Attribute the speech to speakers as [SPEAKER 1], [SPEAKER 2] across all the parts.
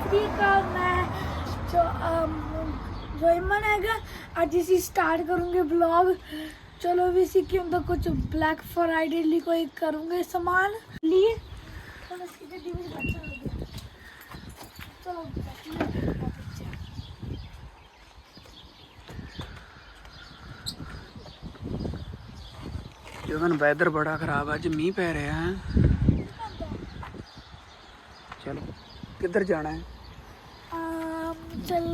[SPEAKER 1] ਸ੍ਰੀ ਅਕਾਲ। ਮੈਂ ਜੋਇਮਨ ਹੈਗਾ। ਅੱਜ ਅਸੀਂ ਸਟਾਰਟ ਕਰੂੰਗੇ ਵਲੌਗ। ਚਲੋ ਵੀ ਅਸੀਂ ਕੀ ਹੁੰਦਾ ਕੁਝ ਬਲੈਕ ਫਰਾਈਡੇ ਲਈ ਕੋਈ ਕਰੂੰਗੇ ਸਮਾਨ लिए। ਹੁਣ ਅਸੀਂ ਗੱਡੀ ਵਿੱਚ ਬੈਠਣ ਲੱਗੇ। ਚਲੋ
[SPEAKER 2] ਜਗਨ ਵੈਦਰ ਬੜਾ ਖਰਾਬ ਅੱਜ ਮੀਂਹ ਪੈ ਰਿਹਾ ਹੈ। ਚਲੋ ਕਿੱਧਰ ਜਾਣਾ ਹੈ?
[SPEAKER 1] ਚਲ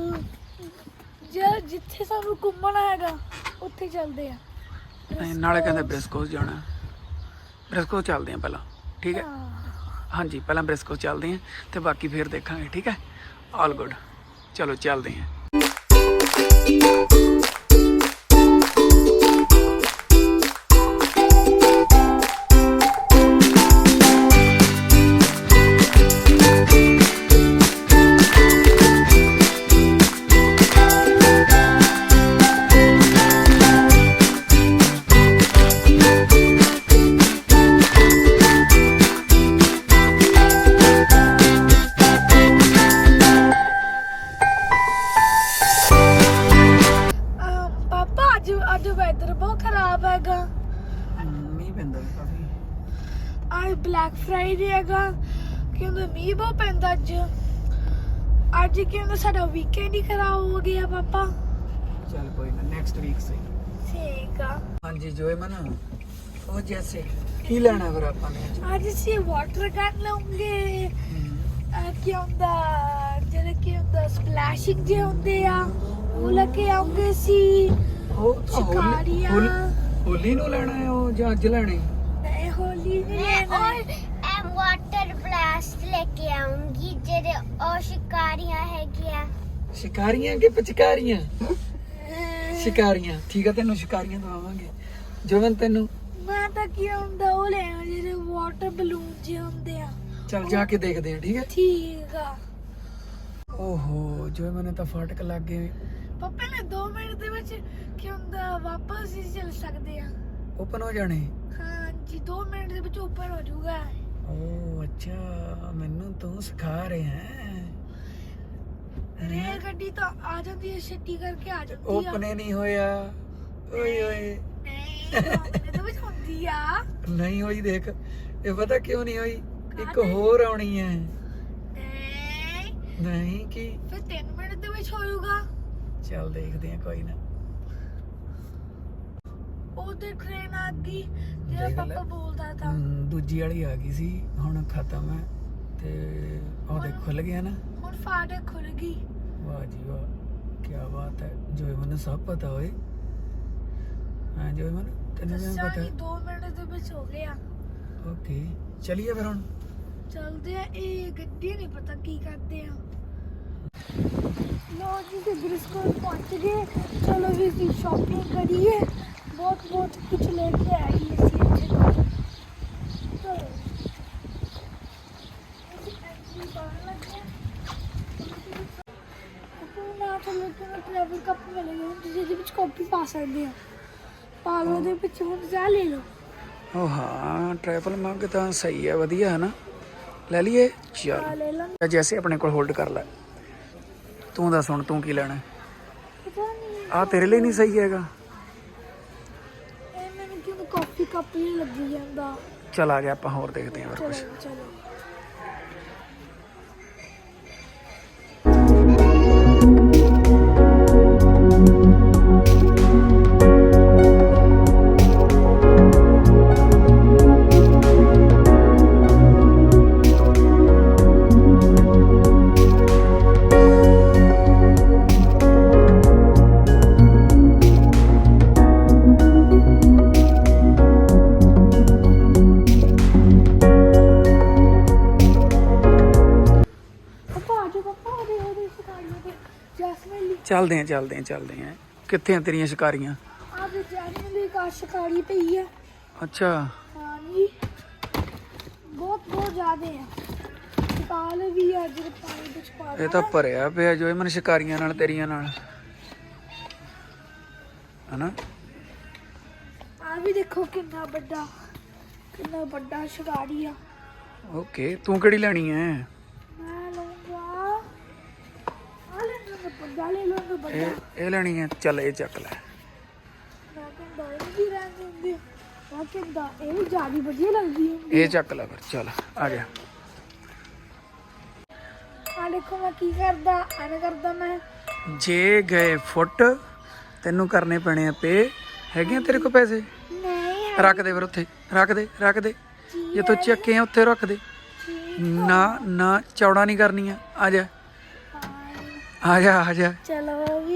[SPEAKER 1] ਜਿੱਥੇ ਸਾਨੂੰ ਘੁੰਮਣਾ ਹੈਗਾ ਉੱਥੇ ਚੱਲਦੇ ਆ।
[SPEAKER 2] ਨਾਲੇ ਕਹਿੰਦੇ ਬ੍ਰਿਸਕੋਸ ਜਾਣਾ। ਬ੍ਰਿਸਕੋਸ ਚੱਲਦੇ ਆ ਪਹਿਲਾਂ, ਠੀਕ ਹੈ? ਹਾਂਜੀ ਪਹਿਲਾਂ ਬ੍ਰਿਸਕੋਸ ਚੱਲਦੇ ਆ ਤੇ ਬਾਕੀ ਫਿਰ ਦੇਖਾਂਗੇ, ਠੀਕ ਹੈ? ਆਲ ਗੁੱਡ, ਚਲੋ ਚੱਲਦੇ ਆ।
[SPEAKER 1] ਅੱਜ ਵੈਦਰ ਬਹੁਤ ਖਰਾਬ ਹੈਗਾ।
[SPEAKER 2] ਮੀਂਹ ਪੈਂਦਾ ਕਾਫੀ।
[SPEAKER 1] ਅੱਜ ਬਲੈਕ ਫਰਾਈਡੇ ਹੈਗਾ। ਕਹਿੰਦੇ ਮੀਂਹ ਬਹੁਤ ਪੈਂਦਾ ਅੱਜ ਕਹਿੰਦੇ ਸਾਡਾ ਵੀਕਐਂਡ ਹੀ ਖਰਾਬ ਹੋ ਗਿਆ ਪਾਪਾ।
[SPEAKER 2] ਚੱਲ ਕੋਈ ਨਾ, ਨੈਕਸਟ ਵੀਕ ਸੇ।
[SPEAKER 1] ਠੀਕ ਆ।
[SPEAKER 2] ਹਾਂਜੀ ਜੋਇਮਨ, ਉਹ ਜੈਸੇ ਕੀ ਲੈਣਾ ਫਿਰ ਆਪਾਂ ਨੇ
[SPEAKER 1] ਅੱਜ ਅਸੀਂ ਵਾਟਰ ਗਨ ਲਵਾਂਗੇ। ਕੀ ਹੁੰਦਾ ਜਿਹੜੇ ਕੀ ਹੁੰਦਾ ਸਪਲੈਸ਼ਿੰਗ ਜੇ ਹੁੰਦੇ ਆ ਉਹ ਲੈ ਕੇ ਆਉਂਗੇ ਸੀ।
[SPEAKER 2] ਹੋਲੀ ਨੂੰ ਲੈਣਾ ਹੈ ਉਹ ਜਾਂ ਅੱਜ ਲੈਣੇ?
[SPEAKER 1] ਨਹੀਂ ਹੋਲੀ ਨਹੀਂ ਲੈਣਾ।
[SPEAKER 3] और वाटर ब्लास्ट लेके आऊंगी जेरे और शिकारियां हैगियां।
[SPEAKER 2] ਸ਼ਿਕਾਰੀਆਂ ਕਿ ਪਿਚਕਾਰੀਆਂ? ਸ਼ਿਕਾਰੀਆਂ, ਠੀਕ ਹੈ, ਤੈਨੂੰ ਸ਼ਿਕਾਰੀਆਂ ਦਵਾਵਾਂਗੇ। ਜੋਵਨ ਤੈਨੂੰ
[SPEAKER 1] ਮੈਂ ਤਾਂ ਕੀ ਹੁੰਦਾ ਉਹ ਲੈਣਾ ਜਿਹੜੇ ਵਾਟਰ ਬਲੂਨ ਜੇ ਹੁੰਦੇ ਆ।
[SPEAKER 2] ਚੱਲ ਜਾ ਕੇ ਦੇਖਦੇ ਆ, ਠੀਕ ਹੈ?
[SPEAKER 1] ਠੀਕ ਆ।
[SPEAKER 2] ਓਹੋ ਜੋਵਨ ਨੇ ਤਾਂ ਫਾਟਕ ਲੱਗ ਗਏ।
[SPEAKER 1] ਪਾਪਾ ਨੇ 2 ਮਿੰਟ ਦੇ ਵਿੱਚ ਕੀ ਹੁੰਦਾ ਵਾਪਸ ਹੀ ਚੱਲ ਸਕਦੇ ਆ।
[SPEAKER 2] ਓਪਨ ਹੋ ਜਾਣੇ?
[SPEAKER 1] ਹਾਂਜੀ 2 ਮਿੰਟ ਦੇ ਵਿੱਚ ਓਪਨ ਹੋ ਜਾਊਗਾ।
[SPEAKER 2] ਓ ਅੱਛਾ, ਮੈਨੂੰ ਤੂੰ ਸਿਖਾ ਰਿਹਾ ਹੈ।
[SPEAKER 1] ਰੇਲ ਗੱਡੀ ਤਾਂ ਆ ਜਾਂਦੀ ਹੈ, ਛੇਤੀ ਕਰਕੇ ਆ ਜਾਂਦੀ ਆ।
[SPEAKER 2] ਓਪਨ ਹੀ ਨਹੀਂ ਹੋਇਆ। ਓਏ ਓਏ
[SPEAKER 1] ਇਹਦੇ ਵਿੱਚ ਹੁੰਦੀ ਆ।
[SPEAKER 2] ਨਹੀਂ ਹੋਈ, ਦੇਖ। ਇਹ ਪਤਾ ਕਿਉਂ ਨਹੀਂ ਹੋਈ? ਇੱਕ ਹੋਰ ਆਉਣੀ ਹੈ। ਨਹੀਂ ਕੀ
[SPEAKER 1] ਫਿਰ 3 ਮਿੰਟ ਦੇ ਵਿੱਚ ਹੋ ਜਾਊਗਾ।
[SPEAKER 2] ਚੱਲ ਦੇਖਦੇ ਆ, ਕੋਈ ਨਾ।
[SPEAKER 1] ਉਹਦੇ ਟ੍ਰੇਨ ਆ ਗਈ ਜਿਹੜਾ ਪਾਪਾ ਬੋਲਦਾ ਤਾਂ।
[SPEAKER 2] ਦੂਜੀ ਵਾਲੀ ਆ ਗਈ ਸੀ, ਹੁਣ ਖਤਮ ਹੈ ਤੇ ਉਹ ਦੇਖ ਖੁੱਲ ਗਿਆ ਨਾ।
[SPEAKER 1] ਹੁਣ ਫਾਟਕ ਖੁੱਲ ਗਈ।
[SPEAKER 2] ਵਾਹ ਜੀ ਵਾਹ, ਕੀ ਬਾਤ ਹੈ। ਜੋਇਮਨ ਨੂੰ ਸਭ ਪਤਾ ਹੋਏ। ਹਾਂ ਜੋਇਮਨ, ਤੈਨੂੰ ਵੀ ਪਤਾ ਹੈ?
[SPEAKER 1] 2 ਮਿੰਟ ਦੇ ਵਿੱਚ ਹੋ ਗਿਆ।
[SPEAKER 2] ਓਕੇ ਚਲਿਏ ਫਿਰ ਹੁਣ
[SPEAKER 1] ਚਲਦੇ ਆ। ਇਹ ਗੱਡੀ ਨਹੀਂ ਪਤਾ ਕੀ ਕਰਦੇ ਆ। ਲੋ ਜੀ ਤੇ ਬ੍ਰਿਸਕੋ ਪਹੁੰਚ ਗਏ। ਚਲੋ ਵੀ ਅਸੀਂ ਸ਼ਾਪਿੰਗ ਕਰੀਏ। ਬਹੁਤ ਕੁਝ ਲੈ ਕੇ ਆਏ ਅਸੀਂ ਇੱਥੇ। ਚਲੋ ਅਸੀਂ ਐਂਟਰੀ ਕਰਨ ਲੱਗੇ। ਆਪਣਾ ਚਲੋ ਟਰੈਵਲ ਕੱਪ ਮਿਲੇਗਾ ਤੁਸੀਂ ਇਹਦੇ ਵਿੱਚ ਕਾਪੀ ਪਾ ਸਕਦੇ ਆ। ਪਾ ਲਓ ਉਹਦੇ ਵਿੱਚ ਹੁਣ ਜਾ ਲੈ ਲਓ।
[SPEAKER 2] ਉਹ ਹਾਂ ਟ੍ਰੈਵਲ ਮੱਗ ਤਾਂ ਸਹੀ ਹੈ, ਵਧੀਆ ਹੈ ਨਾ, ਲੈ ਲਈਏ।
[SPEAKER 1] ਲੈ ਲਾਂ।
[SPEAKER 2] ਚੱਲ ਜੈਸੇ ਆਪਣੇ ਕੋਲ ਹੋਲਡ ਕਰ ਲੈ। ਤੂੰ ਦੱਸ ਹੁਣ ਤੂੰ ਕੀ ਲੈਣਾ?
[SPEAKER 1] ਪਤਾ ਨਹੀਂ
[SPEAKER 2] ਆ ਤੇਰੇ ਲਈ ਨਹੀਂ ਸਹੀ ਹੈਗਾ।
[SPEAKER 1] ਇਹ ਮੈਨੂੰ ਕਿਉਂ ਕਾਫੀ ਕੱਪ ਹੀ ਲੱਗੀ ਜਾਂਦਾ।
[SPEAKER 2] ਚੱਲ ਆ ਗਿਆ, ਆਪਾਂ ਹੋਰ ਦੇਖਦੇ ਹਾਂ ਫਿਰ ਕੁਝ।
[SPEAKER 1] ਚਲੋ
[SPEAKER 2] ਚੱਲਦੇ ਆ। ਕਿੱਥੇ ਆ ਤੇਰੀਆਂ ਸ਼ਿਕਾਰੀਆਂ?
[SPEAKER 1] ਆ ਵੀ ਜੈਸਮੀਨ ਦੀ ਕਾਰ ਸ਼ਿਕਾਰੀ ਪਈ ਆ।
[SPEAKER 2] ਅੱਛਾ
[SPEAKER 1] ਹਾਂਜੀ ਬਹੁਤ ਜ਼ਿਆਦੇ ਆ। ਸ਼ਿਕਾਰ ਵੀ ਆ ਜਿਹੜੇ ਪਾਣੀ ਵਿੱਚ ਪਾ
[SPEAKER 2] ਇਹ ਤਾਂ ਭਰਿਆ ਪਿਆ ਜੋ ਮਨ ਸ਼ਿਕਾਰੀਆਂ ਨਾਲ, ਤੇਰੀਆਂ ਨਾਲ, ਹਨਾ?
[SPEAKER 1] ਆ ਵੀ ਦੇਖੋ ਕਿੰਨਾ ਵੱਡਾ ਸ਼ਿਕਾਰੀ ਆ।
[SPEAKER 2] ਓਕੇ, ਤੂੰ ਕਿਹੜੀ ਲੈਣੀ ਹੈ?
[SPEAKER 1] ਮੈਂ ਲਊਂਗਾ ਵੱਡਾ ਲੈ ਲਓ ਤਾਂ ਵੱਡਾ
[SPEAKER 2] ਇਹ ਲੈਣੀ ਹੈ, ਚੱਲ ਇਹ ਚੱਕ ਲੈ।
[SPEAKER 1] ਮੈਂ ਕਹਿੰਦਾ ਇਹ ਵੀ ਰਹਿਣ ਦਿੰਦੇ ਮੈਂ ਕਹਿੰਦਾ ਇਹ ਵੀ ਜ਼ਿਆਦਾ ਵਧੀਆ ਲੱਗਦੀ ਹੈ
[SPEAKER 2] ਇਹ ਚੱਕ ਲੈ ਫਿਰ, ਚੱਲ ਆ ਜਾ।
[SPEAKER 1] ਆ ਦੇਖੋ ਮੈਂ ਕੀ ਕਰਦਾ ਐਵੇਂ ਕਰਦਾ ਮੈਂ
[SPEAKER 2] ਜੇ ਗਏ ਫੁੱਟ ਤੈਨੂੰ ਕਰਨੇ ਪੈਣੇ ਆ ਪੇ। ਹੈਗੇ ਆ ਤੇਰੇ ਕੋਲ ਪੈਸੇ?
[SPEAKER 1] ਨਹੀਂ
[SPEAKER 2] ਰੱਖ ਦੇ ਫਿਰ ਉੱਥੇ, ਰੱਖ ਦੇ ਜੇ ਤੂੰ ਚੱਕੇ ਆ ਉੱਥੇ ਰੱਖ ਦੇ। ਨਾ ਚੌੜਾ ਨਹੀਂ ਕਰਨੀਆਂ। ਆ ਜਾ
[SPEAKER 1] ਚਲੋ ਵੀ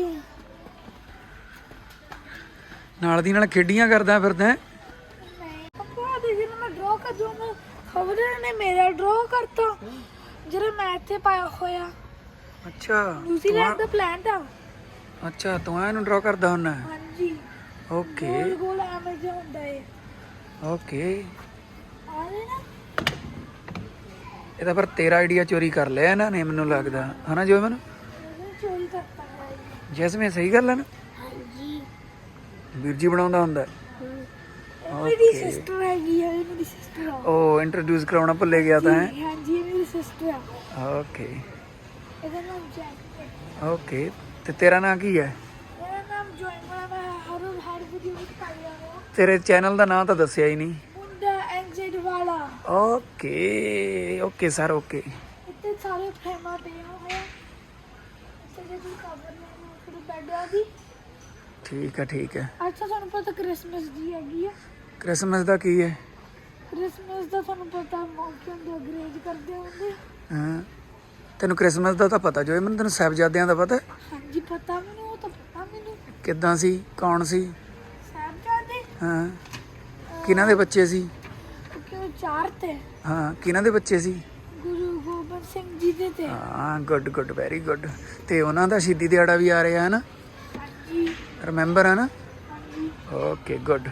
[SPEAKER 2] ਨਾਲ ਦੀ ਨਾਲ ਖੇਡੀਆਂ ਕਰਦਾ ਫਿਰਦਾ।
[SPEAKER 1] ਨਹੀਂ ਪਾਪਾ ਦੇਖੀ ਨਾ ਮੈਂ ਡਰਾ ਕਰ ਦੂੰਗਾ ਖਬਰ ਨੇ ਮੇਰਾ ਡਰਾ ਕਰਤਾ ਜਿਹੜਾ ਮੈਂ ਇੱਥੇ ਪਾਇਆ ਹੋਇਆ
[SPEAKER 2] ਅੱਛਾ
[SPEAKER 1] ਨਿਊਜ਼ੀਲੈਂਡ ਦਾ ਪਲਾਨ ਤਾਂ
[SPEAKER 2] ਅੱਛਾ ਤੂੰ ਇਹਨੂੰ ਡਰਾ ਕਰਦਾ ਹੁੰਦਾ।
[SPEAKER 1] ਹਾਂਜੀ
[SPEAKER 2] ਓਕੇ
[SPEAKER 1] ਗੋਲ ਗੋਲ ਐਵੇਂ ਜਿਹਾ ਹੁੰਦਾ ਏ
[SPEAKER 2] ਓਕੇ।
[SPEAKER 1] ਆ ਰਹੇ ਨਾ
[SPEAKER 2] ਇਹਦਾ ਪਰ ਤੇਰਾ ਆਈਡੀਆ ਚੋਰੀ ਕਰ ਲਿਆ ਇਹਨਾਂ ਨੇ ਮੈਨੂੰ ਲੱਗਦਾ ਹਨਾ ਜੋ ਮੈਨੂੰ
[SPEAKER 1] ਮੈਂ ਚੋਰੀ ਕਰਤਾ ਹੈ
[SPEAKER 2] ਜੈਸਮੀਨ ਸਹੀ ਗੱਲ ਹੈ ਨਾ।
[SPEAKER 3] ਹਾਂਜੀ
[SPEAKER 2] ਵੀਰ ਜੀ ਬਣਾਉਂਦਾ ਹੁੰਦਾ।
[SPEAKER 1] ਮੇਰੀ ਸਿਸਟਰ ਹੈਗੀ ਹੈ ਮੇਰੀ ਸਿਸਟਰ ਆ
[SPEAKER 2] ਉਹ ਇੰਟਰੋਡਿਊਸ ਕਰਾਉਣਾ ਭੁੱਲੇ ਗਿਆ ਤਾਂ ਹੈ।
[SPEAKER 1] ਹਾਂਜੀ ਇਹ ਮੇਰੀ ਸਿਸਟਰ ਆ
[SPEAKER 2] ਓਕੇ
[SPEAKER 1] ਇਹਦਾ ਨਾਮ ਜੈਕ ਹੈ
[SPEAKER 2] ਓਕੇ ਤੇ ਤੇਰਾ ਨਾਂ ਕੀ ਹੈ?
[SPEAKER 1] ਮੇਰਾ ਨਾਮ ਜੋਇਮਾ ਮੈਂ ਹਰ ਵੀਡੀਓ ਵਿੱਚ ਪਾਇਆ ਹਾਂ
[SPEAKER 2] ਤੇਰੇ ਚੈਨਲ ਦਾ ਨਾਂ ਤਾਂ ਦੱਸਿਆ ਹੀ ਨਹੀਂ।
[SPEAKER 1] ਮੁੰਡਾ ਐਨਜ਼ੈਡ ਵਾਲਾ
[SPEAKER 2] ਓਕੇ ਓਕੇ ਸਰ ਓਕੇ।
[SPEAKER 1] ਇੱਥੇ ਸਾਰੇ ਫਰੇਮਾਂ ਪਿਆ ਹੋਇਆ ਇੱਥੇ ਜੇ ਕੋਈ ਕਵਰ ਲੈਣਾ ਫਿਰ ਬੈੱਡ ਆ ਦੀ
[SPEAKER 2] ਠੀਕ ਹੈ।
[SPEAKER 1] ਅੱਛਾ ਤੁਹਾਨੂੰ ਪਤਾ ਕ੍ਰਿਸਮਸ ਦੀ ਹੈਗੀ ਆ
[SPEAKER 2] ਕ੍ਰਿਸਮਸ ਦਾ ਕੀ ਹੈ?
[SPEAKER 1] ਕ੍ਰਿਸਮਸ ਦਾ ਤੁਹਾਨੂੰ ਪਤਾ ਮੌਕੇ ਹੁੰਦੇ ਅੰਗਰੇਜ਼ ਕਰਦੇ ਹੁੰਦੇ
[SPEAKER 2] ਹਾਂ ਤੈਨੂੰ ਕ੍ਰਿਸਮਸ ਦਾ ਤਾਂ ਪਤਾ ਜੋ ਮੈਨੂੰ ਤੈਨੂੰ ਸਾਹਿਬਜ਼ਾਦਿਆਂ ਦਾ ਪਤਾ?
[SPEAKER 1] ਹਾਂਜੀ ਪਤਾ ਮੈਨੂੰ ਉਹ ਤਾਂ ਪਤਾ ਮੈਨੂੰ
[SPEAKER 2] ਕਿੱਦਾਂ ਸੀ, ਕੌਣ ਸੀ?
[SPEAKER 1] ਸਾਹਿਬਜ਼ਾਦੇ
[SPEAKER 2] ਹਾਂ ਕਿਹਨਾਂ ਦੇ ਬੱਚੇ ਸੀ?
[SPEAKER 1] ਕਿਉਂ ਚਾਰ ਤੇ
[SPEAKER 2] ਹਾਂ ਕਿਹਨਾਂ ਦੇ ਬੱਚੇ ਸੀ?
[SPEAKER 1] ਗੁਰੂ ਗੋਬਿੰਦ ਸਿੰਘ ਜੀ ਦੇ ਤੇ
[SPEAKER 2] ਹਾਂ ਗੁੱਡ ਵੈਰੀ ਗੁੱਡ। ਤੇ ਉਹਨਾਂ ਦਾ ਸ਼ਹੀਦੀ ਦਿਹਾੜਾ ਵੀ ਆ ਰਿਹਾ ਹੈ ਨਾ,
[SPEAKER 1] ਹਾਂਜੀ
[SPEAKER 2] ਰਿਮੈਂਬਰ ਹੈ ਨਾ?
[SPEAKER 1] ਹਾਂਜੀ
[SPEAKER 2] ਓਕੇ ਗੁੱਡ।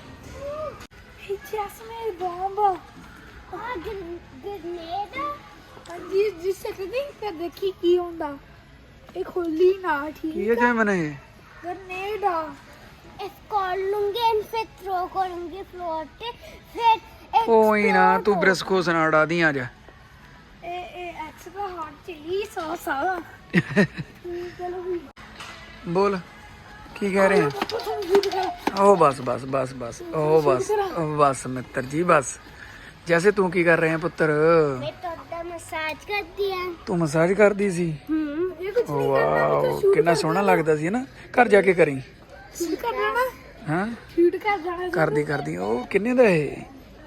[SPEAKER 1] ਜੈਸਮੀਨ ਬੰਬ
[SPEAKER 3] ਆ ਗ੍ਰੇਨੇਡ
[SPEAKER 1] ਹਾਂਜੀ ਜਿਸ ਸਕਦੀ ਤੇ ਦੇਖੀ ਕੀ ਹੁੰਦਾ ਇਹ ਖੋਲੀ ਨਾ
[SPEAKER 2] ਕੀ
[SPEAKER 1] ਠੀਕ
[SPEAKER 2] ਹੈ ਜੈਮਨ ਇਹ?
[SPEAKER 1] ਗ੍ਰੇਨੇਡ ਆ
[SPEAKER 3] इसको लूंगी एंड फिर थ्रो करूंगी फ्लोर पे फिर
[SPEAKER 2] ਕੋਈ ਨਾ ਤੂੰ ਬ੍ਰਿਸਕੋ ਸੁਣਾ ਦੀ ਆ ਜਾ।
[SPEAKER 1] ਇਹ ਐਕਸਟਰਾ ਹੌਟ ਚਿਲੀ ਸੌਸ ਆ ਚਲੋ ਵੀ
[SPEAKER 2] ਬੋਲ ਕੀ ਕਹਿ ਰਹੇ ਆ?
[SPEAKER 1] ਤੁਹਾਨੂੰ ਵੀਡੀਓ ਕਰਾ
[SPEAKER 2] ਉਹ ਬਸ ਉਹ ਬਸ ਮਿੱਤਰ ਜੀ ਬਸ। ਜੈਸੇ ਤੂੰ ਕੀ ਕਰ ਰਹੇ ਆ ਪੁੱਤਰ?
[SPEAKER 3] मैं तो अपना मसाज कर दिया
[SPEAKER 2] ਤੂੰ ਮਸਾਜ ਕਰਦੀ ਸੀ?
[SPEAKER 1] ਇਹ ਕੁਝ ਨਹੀਂ
[SPEAKER 2] ਵਾਓ ਕਿੰਨਾ ਸੋਹਣਾ ਲੱਗਦਾ ਸੀ ਨਾ। ਘਰ ਜਾ ਕੇ ਕਰੀ।
[SPEAKER 1] ਸ਼ੂਟ ਕਰ ਜਾਣਾ
[SPEAKER 2] ਹਾਂ
[SPEAKER 1] ਸ਼ੂਟ ਕਰ ਜਾਣਾ
[SPEAKER 2] ਕਰਦੀ ਉਹ ਕਿੰਨੇ ਦਾ ਇਹ?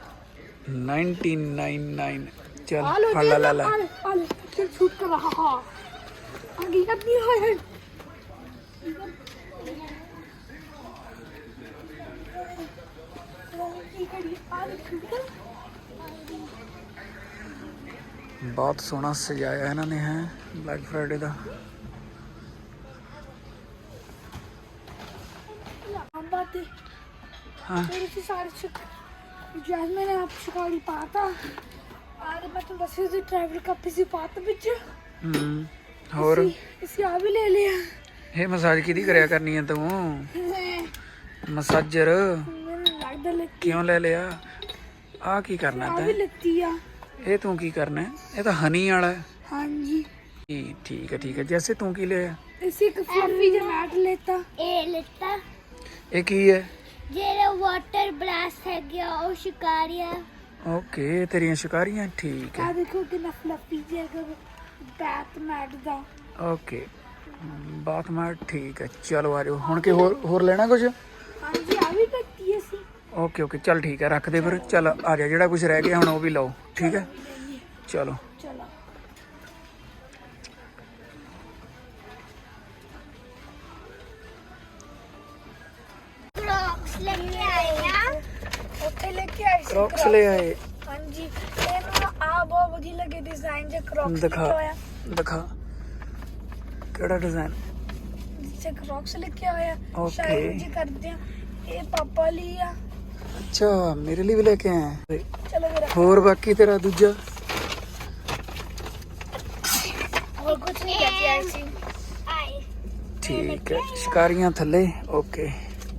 [SPEAKER 2] 1999 ਚੱਲ
[SPEAKER 1] ਆ ਲੋ
[SPEAKER 2] ਫੜ ਲੈ
[SPEAKER 1] ਆ ਲੈ ਸ਼ੂਟ ਕਰ ਰਹਾ ਹਾਂ ਆਗੇ ਕਰਨੀ ਹੈ ਕੀ ਕਰੀ ਆ ਲੈ ਸ਼ੂਟ ਕਰ
[SPEAKER 2] ਬਹੁਤ ਸੋਹਣਾ ਸਜਾਇਆ ਇਹਨਾਂ ਨੇ ਹੈ ਬਲੈਕ ਫਰਾਈਡੇ ਦਾ।
[SPEAKER 1] बात है
[SPEAKER 2] हाँ
[SPEAKER 1] मेरे से सारे जैसे मैंने आप शिकारी पाता आज मैं तो बस से ट्रैवल का पिसी पाता बिच
[SPEAKER 2] ਹੋਰ
[SPEAKER 1] इसी आ भी ले लिया
[SPEAKER 2] ਇਹ ਮਸਾਜ ਕਿਹਦੀ ਕਰਿਆ ਕਰਨੀ ਹੈ ਤੂੰ? ਮਸਾਜਰ
[SPEAKER 1] मैंने लगता ले
[SPEAKER 2] ਕਿਉਂ ਲੈ ਲਿਆ? ਆ ਕੀ ਕਰਨਾ
[SPEAKER 1] आ भी
[SPEAKER 2] ਤੈਂ?
[SPEAKER 1] लगती है
[SPEAKER 2] ਇਹ ਤੂੰ ਕੀ ਕਰਨਾ ਹੈ? ਇਹ ਤਾਂ ਹਨੀ ਵਾਲਾ ਹੈ।
[SPEAKER 1] हाँ जी
[SPEAKER 2] ਠੀਕ ਹੈ ਜੈਸੇ ਤੂੰ ਕੀ ਲਿਆ?
[SPEAKER 1] इसी का फ्लफी जमाट लेता
[SPEAKER 3] ए लेता
[SPEAKER 2] ਇਹ ਕੀ ਹੈ?
[SPEAKER 3] जेरे वाटर ब्लास्ट है गया और शिकारियां
[SPEAKER 2] ਓਕੇ ਤੇਰੀਆਂ ਸ਼ਿਕਾਰੀਆਂ ਠੀਕ
[SPEAKER 1] आ
[SPEAKER 2] ਹੈ।
[SPEAKER 1] देखो कितना फ्लफी जगह बैट मैट दा
[SPEAKER 2] ਓਕੇ ਬਾਥਮਾਰ ਠੀਕ ਹੈ ਚਲੋ ਆ ਜਾਓ ਹੁਣ ਕਿ ਹੋਰ ਲੈਣਾ ਕੁਝ?
[SPEAKER 1] हाँ जी आ भी लगती है सी
[SPEAKER 2] ਓਕੇ ਚੱਲ ਠੀਕ ਹੈ ਰੱਖ ਦੇ ਫਿਰ। ਚੱਲ ਆ ਜਾ ਜਿਹੜਾ ਕੁਝ ਰਹਿ ਗਿਆ ਹੁਣ ਉਹ ਵੀ ਲਓ ਠੀਕ ਹੈ ਚਲੋ।
[SPEAKER 1] चलो
[SPEAKER 3] क्रॉक्स लेके आए हैं
[SPEAKER 1] ओके लेके आई सी
[SPEAKER 2] ਕ੍ਰੌਕਸ ਲੈ ਆਏ।
[SPEAKER 1] हाँ जी ये ना आ बहुत बढ़िया लगे डिजाइन जो क्रॉक्स
[SPEAKER 2] ਦਿਖਾ
[SPEAKER 1] लेके आया
[SPEAKER 2] ਦਿਖਾ ਕਿਹੜਾ ਡਿਜ਼ਾਈਨ?
[SPEAKER 1] जिससे क्रॉक्स लेके आया
[SPEAKER 2] Okay.
[SPEAKER 1] शायद जी करते हैं ये पापा लिया
[SPEAKER 2] ਅੱਛਾ ਮੇਰੇ ਲਈ ਵੀ ਲੈ ਕੇ ਆਇਆ।
[SPEAKER 1] चलो मेरा
[SPEAKER 2] ਹੋਰ ਬਾਕੀ ਤੇਰਾ ਦੂਜਾ?
[SPEAKER 1] और कुछ नहीं कहती ऐसी
[SPEAKER 3] आए
[SPEAKER 2] ਠੀਕ ਹੈ ਸ਼ਿਕਾਰੀਆਂ ਥੱਲੇ ਓਕੇ।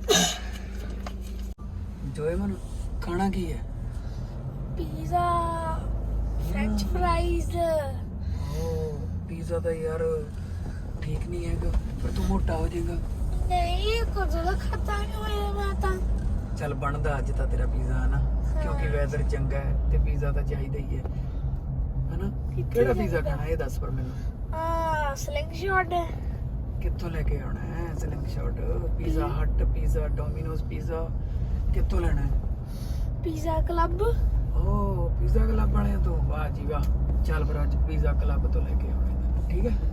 [SPEAKER 2] ਜੋਏ ਮਨ ਖਾਣਾ ਕੀ ਹੈ?
[SPEAKER 1] पिज्जा फ्रेंच फ्राइज
[SPEAKER 2] ਓ ਪੀਜ਼ਾ ਦਾ ਯਾਰ ਠੀਕ ਨਹੀਂ ਹੈਗਾ ਪਰ ਤੂੰ ਮੋਟਾ ਹੋ ਜਾਏਗਾ।
[SPEAKER 1] ਨਹੀਂ ਕਦੋਂ ਦਾ ਖਾਤਾ ਨਹੀਂ ਹੋਇਆ ਮੈਂ ਤਾਂ।
[SPEAKER 2] ਚੱਲ ਬਣਦਾ ਅੱਜ ਤਾਂ ਤੇਰਾ ਪੀਜ਼ਾ ਹਨਾ, ਕਿਉਂਕਿ ਵੈਦਰ ਚੰਗਾ ਹੈ ਤੇ ਪੀਜ਼ਾ ਤਾਂ ਚਾਹੀਦਾ ਹੀ ਹੈ ਹਨਾ। ਕਿਹੜਾ ਪੀਜ਼ਾ ਖਾਣਾ ਇਹ ਦੱਸ ਪਰ ਮੈਨੂੰ।
[SPEAKER 1] ਸਲਿੰਗ ਸ਼ਾਟ
[SPEAKER 2] ਕਿੱਥੋਂ ਲੈ ਕੇ ਆਉਣਾ ਹੈ slingshot? Pizza hut, pizza Domino's, pizza ਕਿੱਥੋਂ ਲੈਣਾ ਹੈ?
[SPEAKER 1] Pizza club.
[SPEAKER 2] ਓ ਪੀਜ਼ਾ ਕਲੱਬ ਵਾਲਿਆਂ ਤੋਂ? ਵਾਹ ਜੀ ਵਾਹ। ਚੱਲ ਫਿਰ ਅੱਜ ਪੀਜ਼ਾ ਕਲੱਬ ਤੋਂ ਲੈ ਕੇ ਆਉਣਾ, ਠੀਕ ਹੈ।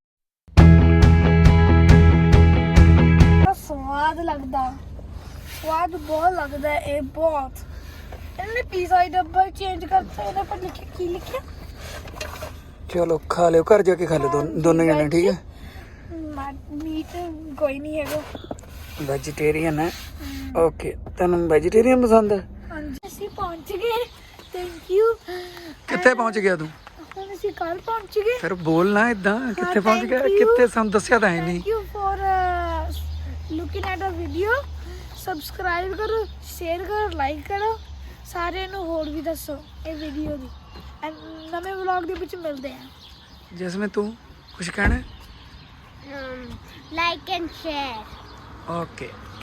[SPEAKER 1] ਸਵਾਦ ਲੱਗਦਾ, ਸਵਾਦ ਬਹੁਤ ਲੱਗਦਾ ਇਹ ਬਹੁਤ। ਇਹਨੇ ਪੀਜ਼ਾ ਦਾ ਡੱਬਾ ਚੇਂਜ ਕਰਤਾ, ਇਹਦੇ ਪਰ ਲਿਖਿਆ ਕੀ ਲਿਖਿਆ?
[SPEAKER 2] ਚਲੋ ਖਾ ਲਿਓ, ਘਰ ਜਾ ਕੇ ਖਾ ਲਿਓ ਦੋਨੋਂ ਜਣੇ, ਠੀਕ ਹੈ।
[SPEAKER 1] ਮੀਟ ਕੋਈ ਨਹੀਂ ਹੈਗਾ,
[SPEAKER 2] ਵੈਜੀਟੇਰੀਅਨ ਹੈ। ਓਕੇ, ਤੈਨੂੰ ਵੈਜੀਟੇਰੀਅਨ ਪਸੰਦ ਹੈ?
[SPEAKER 1] ਹਾਂਜੀ ਅਸੀਂ ਪਹੁੰਚ ਗਏ, ਥੈਂਕ ਯੂ।
[SPEAKER 2] ਕਿੱਥੇ ਪਹੁੰਚ ਗਿਆ ਤੂੰ?
[SPEAKER 1] ਹੁਣ ਅਸੀਂ ਕੱਲ ਪਹੁੰਚ ਗਏ।
[SPEAKER 2] ਫਿਰ ਬੋਲ ਨਾ ਇਦਾਂ, ਕਿੱਥੇ ਪਹੁੰਚ ਗਿਆ?
[SPEAKER 1] thank you.
[SPEAKER 2] ਕਿੱਥੇ ਸਾਨੂੰ ਦੱਸਿਆ ਤਾਂ ਹੈ ਨਹੀਂ।
[SPEAKER 1] Thank you for looking at a video. Subscribe ਕਰੋ, ਸ਼ੇਅਰ ਕਰੋ, ਲਾਈਕ ਕਰੋ, ਸਾਰਿਆਂ ਨੂੰ ਹੋਰ ਵੀ ਦੱਸੋ ਇਹ ਵੀਡੀਓ ਦੀ। ਨਵੇਂ ਵਲੌਗ ਦੇ ਵਿੱਚ ਮਿਲਦੇ ਹਾਂ।
[SPEAKER 2] ਜਿਸਮੇ ਤੂੰ ਕੁਝ ਕਹਿਣਾ?
[SPEAKER 3] Like and share.
[SPEAKER 2] ਓਕੇ।